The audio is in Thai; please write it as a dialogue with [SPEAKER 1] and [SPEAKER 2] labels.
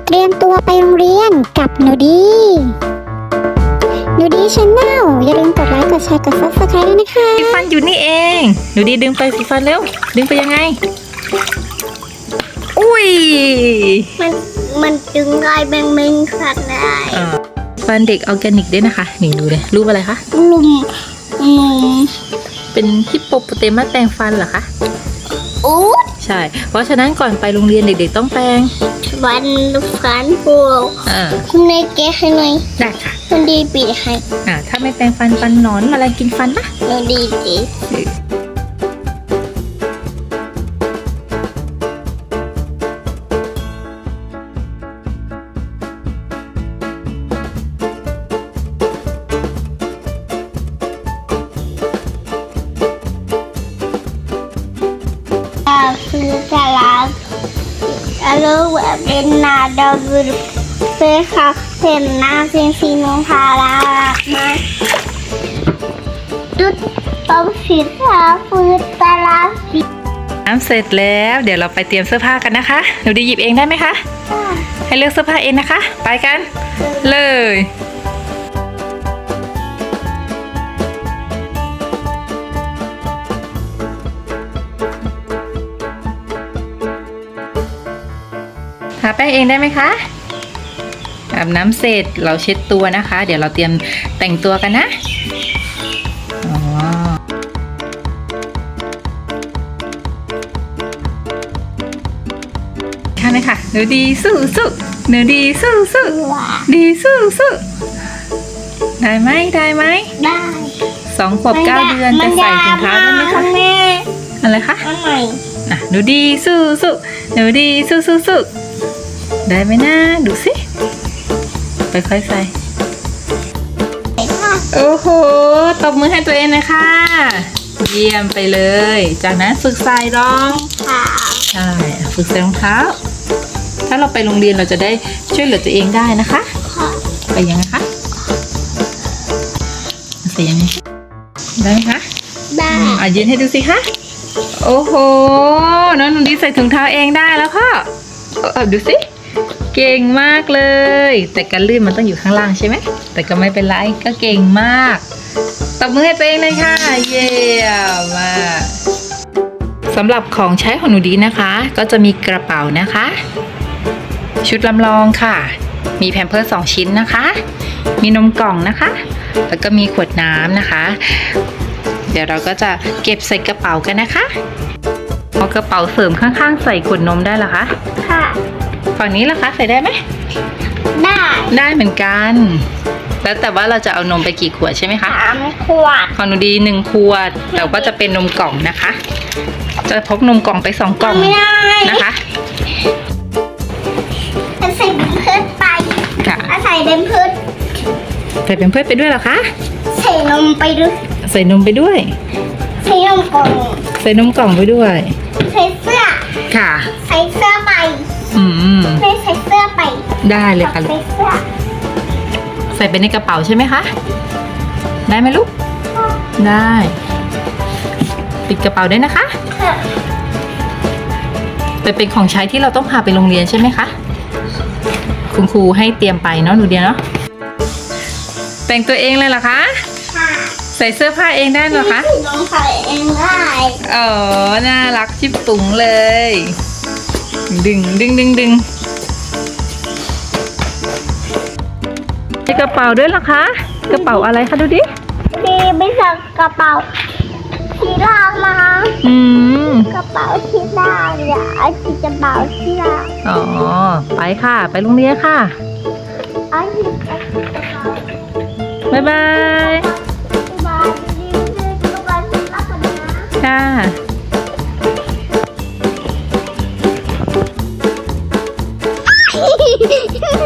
[SPEAKER 1] เตรียมตัวไปโรงเรียนกับหนูดีชาแนลอย่าลืมกดไลค์กดแชร์กด Subscribe ด้วยนะคะ
[SPEAKER 2] สีฟันอยู่นี่เองหนูดีดึงไปสีฟันเร็วดึงไปยังไงอุ้ย
[SPEAKER 3] มันดึงได้แบงขัดได้
[SPEAKER 2] ฟันเด็กออร์แกนิกด้วยนะคะนี่ดูเลยรูปอะไรคะ
[SPEAKER 3] ลุม
[SPEAKER 2] เป็นฮิปโปโปเตมัสแปรงฟันเหรอคะ
[SPEAKER 3] อู้
[SPEAKER 2] ใช่เพราะฉะนั้นก่อนไปโรงเรียนเด็กๆต้องแปรง
[SPEAKER 3] ฟันพวกคุณนายแกะให้หน่อย
[SPEAKER 2] ได้ค่ะ
[SPEAKER 3] คุณดีปิดให้
[SPEAKER 2] ถ้าไม่แปรงฟันหนอนอะไรกินฟันนะ
[SPEAKER 3] คุณดีจีคือตลาดแล้วเป็นนาดาวเป็นค่ะเป็นนาเป็นสีนงพารามาจุดต้มสีทาฟืนตลาด
[SPEAKER 2] น้ำเสร็จแล้วเดี๋ยวเราไปเตรียมเสื้อผ้ากันนะคะหนูดีหยิบเองได้ไหมคะให้เลือกเสื้อผ้าเองนะคะไปกันเลยทาแป้งเองได้ไหมคะอาบน้ำเสร็จเราเช็ดตัวนะคะเดี๋ยวเราเตรียมแต่งตัวกันนะค่ะเลยค่ะหนูดีสู้หนูดีสู้ดีสู้ได้ไหม
[SPEAKER 3] ได้
[SPEAKER 2] 2 ขวบ 9 เดือนจะใส่ถุงเท้าได้ไหมคะอะไรคะหนูดีสู้หนูดีสู้ได้ไหมนะดูสิค่อยๆใส่โอ้โหตบมือให้ตัวเองเลยค่ะเยี่ยมไปเลยจากนั้นฝึกใส่รองใช่ฝึกใส่รองเท้าถ้าเราไปโรงเรียนเราจะได้ช่วยเหลือตัวเองได้นะคะไปยังไงคะใส่ยังไงได้ไหมคะ
[SPEAKER 3] ได้
[SPEAKER 2] ยืนให้ดูสิคะโอ้โหน้องหนูดีใส่ถุงเท้าเองได้แล้วพ่อดูสิเก่งมากเลยแต่การลื่นมันต้องอยู่ข้างล่างใช่ไหมแต่ก็ไม่เป็นไรก็เก่งมากตบมือให้ตัวเองเลยค่ะเยี่ยมมากสำหรับของใช้ของหนูดีนะคะก็จะมีกระเป๋านะคะชุดลำลองค่ะมีแพมเพิร์ส2 ชิ้นนะคะมีนมกล่องนะคะแล้วก็มีขวดน้ำนะคะเดี๋ยวเราก็จะเก็บใส่กระเป๋ากันนะคะเอากระเป๋าเสริมข้างๆใส่ขวดนมได้เหรอคะ
[SPEAKER 3] ค่ะ
[SPEAKER 2] ฝั่งนี้ล่ะคะใส่ได้ไหมได้เหมือนกันแล้วแต่ว่าเราจะเอานมไปกี่ขวดใช่ไหมคะ
[SPEAKER 3] 3 ขวด
[SPEAKER 2] ของหนูดี1 ขวดแต่ว่าจะเป็นนมกล่องนะคะจะพกนมกล่องไป2 กล่องนะคะ
[SPEAKER 3] ใส่เบมเพิร์สไป
[SPEAKER 2] ค่ะ
[SPEAKER 3] ใส่เบมเพิร์ส
[SPEAKER 2] ไปด้วยเหรอคะ
[SPEAKER 3] ใส่นมไปด้วย
[SPEAKER 2] ใส่นมไปด้วย
[SPEAKER 3] ใส่นมกล่อง
[SPEAKER 2] ไปด้วย
[SPEAKER 3] ใส่เสื้อ
[SPEAKER 2] ค่ะ
[SPEAKER 3] ใส่เสื้อไปไม่ใส่เสื้อไป
[SPEAKER 2] ได้เลยค่ะใส่ไปในกระเป๋าใช่ไหมคะได้ไหมลูกได้ปิดกระเป๋าได้นะคะเป็นของใช้ที่เราต้องพาไปโรงเรียนใช่ไหมคะคุณครูให้เตรียมไปเนาะหนูเดียเนาะแต่งตัวเองเลยเหรอคะใส่เสื้อผ้าเองได้เหรอคะ
[SPEAKER 3] ใส่เองได้
[SPEAKER 2] น่ารักชิบปุ๋งเลยดึงใส่กระเป๋าด้วยเหรอคะกระเป๋าอะไรคะดูดิ
[SPEAKER 3] ไม่ใส่กระเป๋าสีดำมากระเป๋าสีดำอย่าเอาสีกระเป๋าสีด
[SPEAKER 2] ำไปค่ะไปโรงเรียนค่ะบ๊ายบายค่ะ